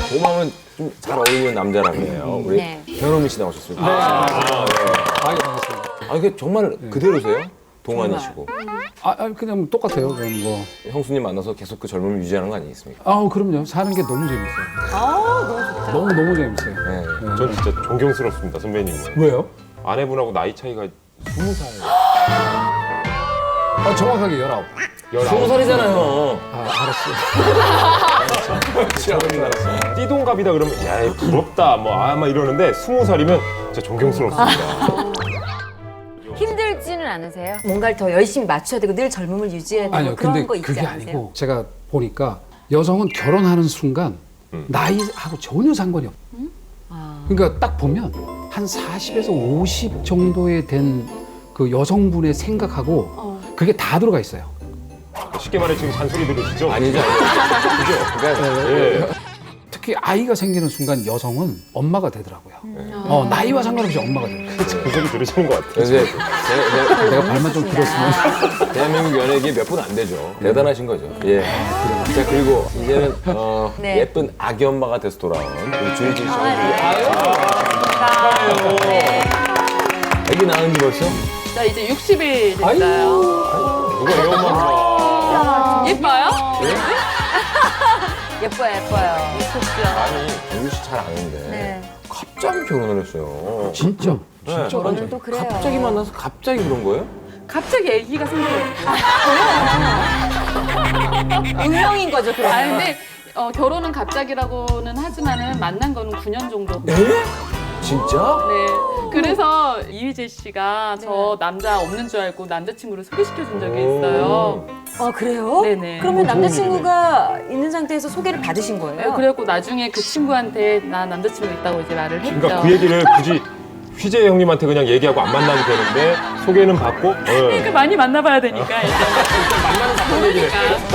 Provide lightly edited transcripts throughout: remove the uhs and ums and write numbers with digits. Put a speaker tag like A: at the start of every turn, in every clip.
A: 봄하면 좀 잘 어울리는 남자라며요. 우리
B: 네.
A: 변호민 씨 나오셨습니다.
C: 아, 반갑습니다.
A: 아, 이게 정말 그대로세요? 동안이시고.
C: 그냥 똑같아요. 그냥 뭐.
A: 형수님 만나서 계속 그 젊음을 유지하는 거 아니겠습니까?
C: 그럼요. 사는 게 너무 재밌어요. 너무 재밌어요.
A: 네.
D: 전 진짜 존경스럽습니다, 선배님은.
C: 왜요?
D: 아내분하고 나이 차이가 20살.
C: 정확하게 19.
A: 20살이잖아요.
C: 알았어요.
D: 띠동갑이다 그러면 야 부럽다 뭐 아마 이러는데 20살이면 진짜 존경스럽습니다.
B: 힘들지는 않으세요?
E: 뭔가를 더 열심히 맞춰야 되고 늘 젊음을 유지해야 되고
C: 아니요.
E: 그런
C: 근데
E: 거 있지
C: 그게
E: 않으세요?
C: 아니고 제가 보니까 여성은 결혼하는 순간 나이하고 전혀 상관이 없어요. 그러니까 딱 보면 한 40에서 50 정도에 된 그 여성분의 생각하고 그게 다 들어가 있어요.
D: 쉽게 말해 지금 잔소리 들으시죠?
A: 아니죠. 그죠? 그러니까
D: 예.
C: 특히 아이가 생기는 순간 여성은 엄마가 되더라고요. 나이와 상관없이 엄마가 돼요.
D: 그 소리 들으시는 것 같아요.
A: 그래서 이제
C: 내가 발만 좀 들었으면.
A: 대한민국 연예계 몇 분 안 되죠. 대단하신 거죠. 예. 자, 그리고 이제는
B: 네.
A: 예쁜 아기 엄마가 돼서 돌아온 우리 주희진 씨.
B: 네.
A: 아기 낳은 지 벌써?
F: 나 이제 60일 됐어요.
D: 누가 애 엄마인가?
F: 예뻐요?
B: 예뻐요.
A: 아니, 주희 씨 잘 아는데
B: 네.
A: 갑자기 결혼을 했어요.
C: 진짜.
A: 네.
B: 저는 또 그래요.
A: 갑자기 만나서 갑자기 그런 거예요?
F: 갑자기 아기가 생겨요.
E: 운명인 거죠, 그러면.
F: 아 근데 결혼은 갑자기라고는 하지만은 만난 거는 9년 정도.
A: 진짜?
F: 네. 그래서 이휘재 씨가 저 남자 없는 줄 알고 남자친구를 소개시켜 준 적이 있어요.
E: 아, 그래요?
F: 네네.
E: 그러면 남자친구가 있는 상태에서 소개를 받으신 거예요?
F: 그래갖고 나중에 그 친구한테 나 남자친구 있다고 이제 말을 했죠.
D: 그러니까 그 얘기를 굳이 휘재 형님한테 그냥 얘기하고 안 만나도 되는데 소개는 받고
F: 그러니까 많이 만나봐야 되니까 일단.
D: 만나는 사건 얘기를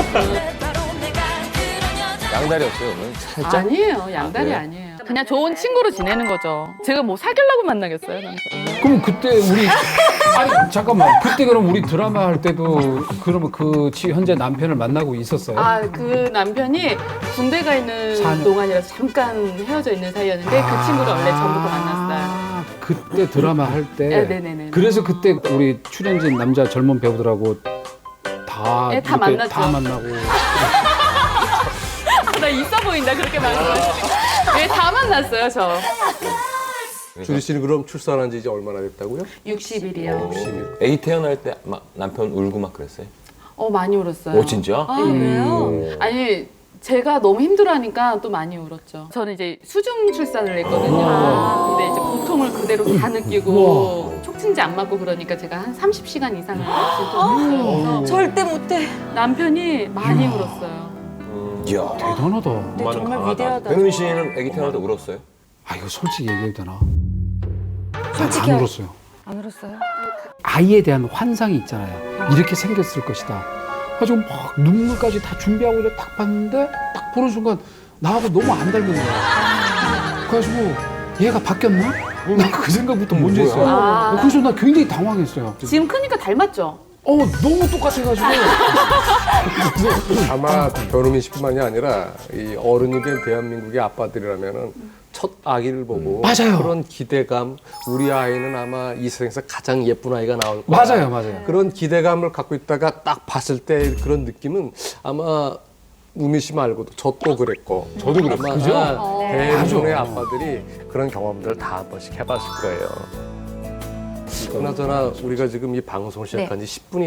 A: 양다리였어요, 오늘. 살짝?
F: 아니에요. 양다리
A: 그래요?
F: 아니에요. 그냥 좋은 친구로 지내는 거죠. 제가 뭐 사귀려고 만나겠어요, 남자.
C: 그럼 그때 우리 아니 잠깐만 그때 그럼 우리 드라마 할 때도 그러면 현재 남편을 만나고 있었어요?
F: 그 남편이 군대 가 있는
C: 4년.
F: 동안이라서 잠깐 헤어져 있는 사이였는데 그 친구를 원래 전부터 만났어요.
C: 그때 드라마 할 때.
F: 네네네.
C: 그래서 그때 우리 출연진 남자 젊은 배우들하고 다
F: 네, 다
C: 이렇게
F: 만났죠.
C: 다 만나고.
F: 나 있어 보인다 그렇게 말씀하시니까. 네, 다 만났어요 저.
G: 주리 씨는 그럼 출산한 지 이제 얼마나 됐다고요?
F: 60일이요.
G: 60일.
A: 애기 태어날 때 막 남편 울고 막 그랬어요?
F: 많이 울었어요.
A: 오, 진짜?
E: 아, 그래요?
F: 아니 제가 너무 힘들어하니까 또 많이 울었죠. 저는 이제 수중 출산을 했거든요. 근데 이제 고통을 그대로 다 느끼고 촉진제 안 맞고 그러니까 제가 한 30시간 이상을 진통했어요.
E: 절대 못해.
F: 남편이 많이 울었어요.
A: 이야.
C: 대단하다.
E: 근데
D: 엄마는
E: 정말
D: 강하다.
E: 위대하다.
A: 변우민 씨는 애기 태어날 때 울었어요?
C: 아 이거 솔직히 얘기해도 되나?
E: 솔직히
C: 안 울었어요.
B: 안 울었어요?
C: 아이에 대한 환상이 있잖아요. 이렇게 생겼을 것이다. 가지고 막 눈물까지 다 준비하고 이렇게 딱 봤는데 딱 보는 순간 나하고 너무 안 닮은 거야. 그래가지고 얘가 바뀌었나? 나 그 생각부터 먼저 했어요. 그래서 나 굉장히 당황했어요.
F: 지금 크니까 닮았죠?
C: 너무 똑같아가지고.
G: 아마 변우민 씨뿐만이 아니라 이 어른이 된 대한민국의 아빠들이라면은 첫 아기를 보고
C: 맞아요.
G: 그런 기대감, 우리 아이는 아마 이 세상에서 가장 예쁜 아이가 나올 거야.
C: 맞아요.
G: 그런 기대감을 갖고 있다가 딱 봤을 때 그런 느낌은 아마 우미 씨 말고도 저 또 그랬고
D: 저도 그랬어요.
G: 아마 대부분의 아빠들이 그런 경험들을 다 한 번씩 해봤을 거예요. 그나저나 우리가 지금 이 방송을 시작한 지 10분이